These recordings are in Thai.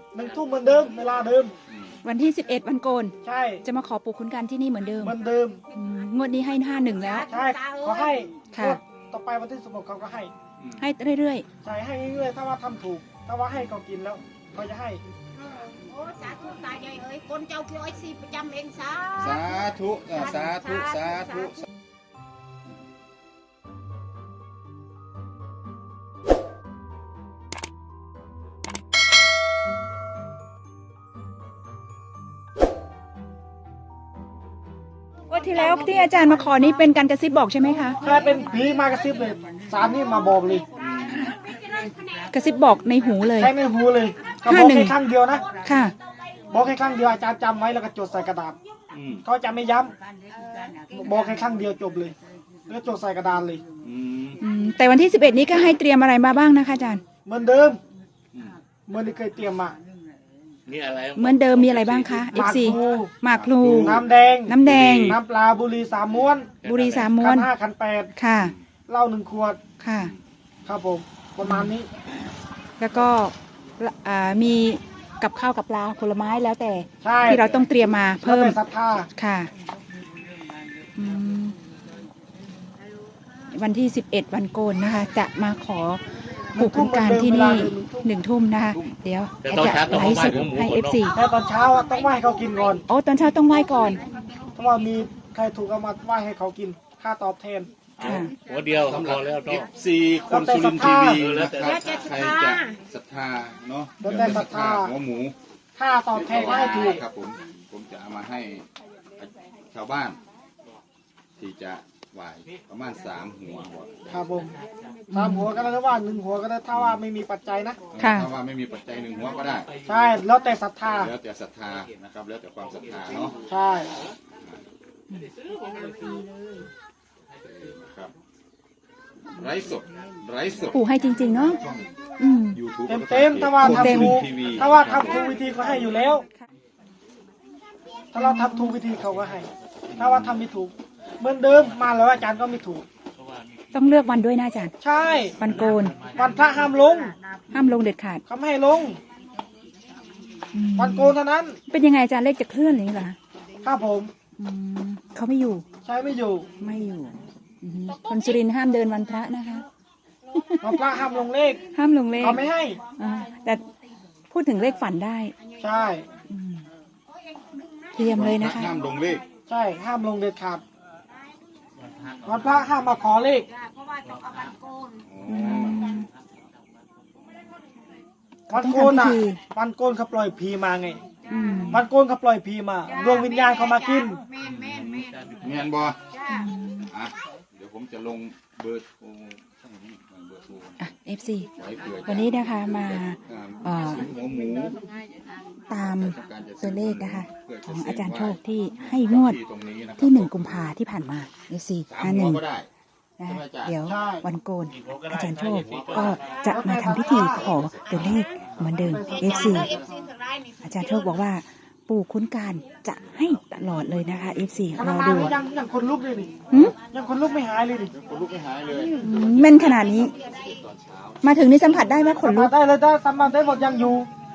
1 ทุ่มเหมือนเดิมเวลาเดิมวันที่11วันโกนใช่จะมาขอปู่ขุนการที่นี่เหมือนเดิมเหมือนเดิมงวดนี้ให้51แล้วใช่ขอให้ค่ะต่อไปวันที่16เขาก็ให้เรื่อยใช่ให้เรื่อยๆถ้าว่าทำถูกถ้าว่าให้เขากินแล้วเขาจะให้โอ้สาธุตายายเอ้ยคนเจ้าพี่อ้อยสิประจำเองสาธุสาธุสาธุวันที่แล้วที่อาจารย์มาขอนี้เป็นการกระซิบบอกใช่ไหมคะใช่เป็นผีมากระซิบเลยสารนี่มาบอกเลยกระซิบบอกในหูเลยใช่ในหูเลยเขาบอกแค่ครั้งเดียวนะค่ะบอกแค่ครั้งเดียวอาจารย์จำไว้แล้วก็จดใส่กระดาษเขาจะไม่ย้ำบอกแค่ครั้งเดียวจบเลยแล้วจดใส่กระดานเลยแต่วันที่11นี้ก็ให้เตรียมอะไรมาบ้างนะคะอาจารย์เหมือนเดิมเหมือนที่เคยเตรียมมาเหมือนเดิมมีอะไรบ้างคะ FC หมากพลูน้ำแดงน้ำปลาบุหรี่3 ม้วนบุหรี่3 ม้วนขัน 5ขัน 8 ค่ะเหล้า1 ขวดค่ะครับผมประมาณนี้แล้วก็มีกับข้าวกับปลาผลไม้แล้วแต่ที่เราต้องเตรียมมาเพิ่มศรัทธาค่ะวันที่11วันโกนนะคะจะมาขอปู่ขุนการที่นี่1 ทุ่มนะคะเดี๋ยวจะไลฟ์สดให้ FC แต่ตอนเช้าต้องไหว้เขากินก่อนโอ้ตอนเช้าต้องไหว้ก่อนเพราะว่ามีใครถูกเอามาไหว้ให้เขากินค่าตอบแทนหัวเดียวพอแล้วต้อง4คนสุรินทร์ทีวีนะครับใครจะศรัทธาเนาะแล้วแต่ศรัทธาหัวหมูค่าตอบแทนให้ถูกครับผมจะเอามาให้ชาวบ้านที่จะไหวประมาณ3 หัวครับผม3 หัวก็ได้ว่า1 หัวก็ได้ถ้าว่าไม่มีปัจจัยนะถ้าว่าไม่มีปัจจัย1 หัวก็ได้ใช่แล้วแต่ศรัทธานะครับแล้วแต่ความศรัทธาเนาะใช่ครับไร้สดปู่ให้จริงๆเนาะเต็มถ้าว่าทำถูกวิธีก็ให้อยู่แล้วถ้าเราทำถูกวิธีเขาก็ให้ถ้าว่าทำไม่ถูกเหมือนเดิมมาแล้วอาจารย์ก็ไม่ถูกต้องเลือกวันด้วยนะอาจารย์ใช่วันโกนวันพระห้ามลงเด็ดขาดเขาไม่ให้ลงวันโกนเท่านั้นเป็นยังไงอาจารย์เลขจะเคลื่อนหรือเปล่าครับผมเขาไม่อยู่ใช่ไม่อยู่คนสุรินทร์ห้ามเดินวันพระนะคะวันพระห้ามลงเลขเขาไม่ให้แต่พูดถึงเลขฝันได้ใช่เตรียมเลยนะคะห้ามลงเลขใช่ห้ามลงเด็ดขาดวันพระห้ามมาขอเลขวันโกนวันโกนเขาปล่อยผีมาไงวันโกนเขาปล่อยผีมาดวงวิญญาณเขามากินเมียนบอเดี๋ยวผมจะลงเบอร์โทร FC วันนี้นะคะมาตามตัวเลขนะคะของอาจารย์โชคที่ให้งวดที่1 กุมภาที่ผ่านมา FC 51นะเดี๋ยววันโกนอาจารย์โชคก็จะมาทำพิธีขอตัวเลขเหมือนเดิม FC อาจารย์โชคบอกว่าปู่ขุนการจะให้ตลอดเลยนะคะ FC รอดูยังคนลุกเลยดิยังคนลุกไม่หายเลยดิแม่นขนาดนี้มาถึงนี่สัมผัสได้ไหมขนลุกได้เลยได้สัมผัสได้หมดยังอยู่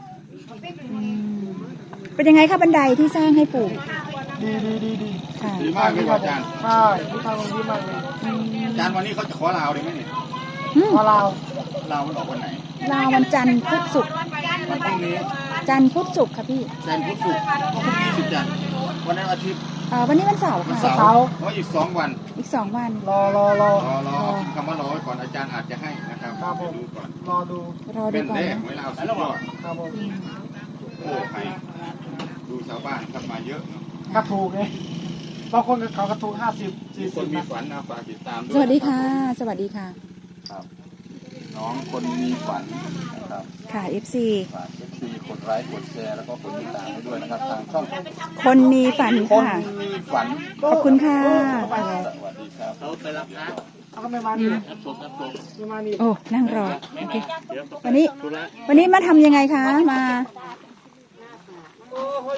เป็นยังไงคะบันไดที่สร้างให้ปู่ดีค่ะดีมากเลยอาจารย์ใช่ที่ทำดีมากเลยอาจารย์วันนี้เขาจะขอลาวได้ไหมเนี่ยขอลาวมันออกวันไหนลาววันจันทร์พุธศุกร์วันพรุ่งนี้จันทร์พุธศุกร์ค่ะพี่จันทร์พุธศุกร์พรุ่งนี้จันทร์วันนั้นอาทิตย์วันนี้วันเสาร์ค่ะเสาร์อีก2 วันอีก2 วันรอคำว่ารอไว้ก่อนอาจารย์อาจจะให้นะครับดูก่อนรอดูก่อนนะเวลาสุดยอดครับผมโอ้ใครดูชาวบ้านทำมาเยอะกระถูกไงบางคนเขากระถูก50-40 คนมีฝันนะฝากติดตามด้วยสวัสดีค่ะครับน้องคนมีฝันนะครับค่ะ FC ฝาก FC กดไลค์กดแชร์แล้วก็กดติดตามให้ด้วยนะครับทางช่องคนมีฝันค่ะขอบคุณค่ะสวัสดีครับเขาไปรับนะเขาก็ไม่มานี่โอ้นั่งรอโอเควันนี้มาทำยังไงคะ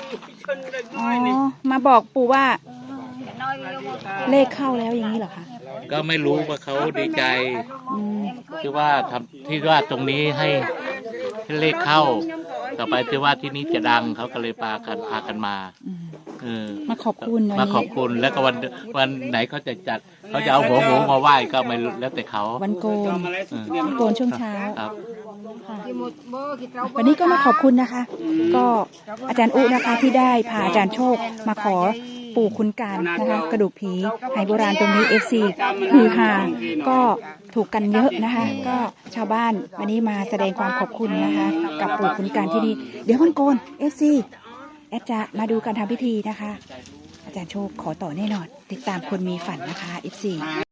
มาบอกปู่ว่าเลขเข้าแล้วอย่างนี้เหรอคะก็ไม่รู้ว่าเขาดีใจอืมที่ว่าตรงนี้ให้เลขเข้า ต่อไปที่ว่าที่นี้จะดังเขาก็เลยพากันมาอืมเออมาขอบคุณวันมาขอนี้บคุณแล้วก็วันไหนเขาจะจัดเขาจะเอาหัวหมูมาไหว้ก็ไม่รู้แล้วแต่เขาวันโกน วันโกนช่วงเช้าครับค่ะวันนี้ก็มาขอบคุณนะคะ ก็อาจารย์อุนะคะที่ได้พาอาจารย์โชคมาขอปู่คุณการนะคะ กระดูกผีไหโบราณตรงนี้ FC ฮือฮาก็ถูกกันเยอะนะคะ ก็ชาวบ้านวันนี้มาแสดงความขอบคุณนะคะ กับปู่คุณการที่นี่เดี๋ยววันโกน FC แอดจะมาดูการทำพิธีนะคะ อาจารย์โชคขอต่อแน่นอน ติดตามคนมีฝันนะคะ FC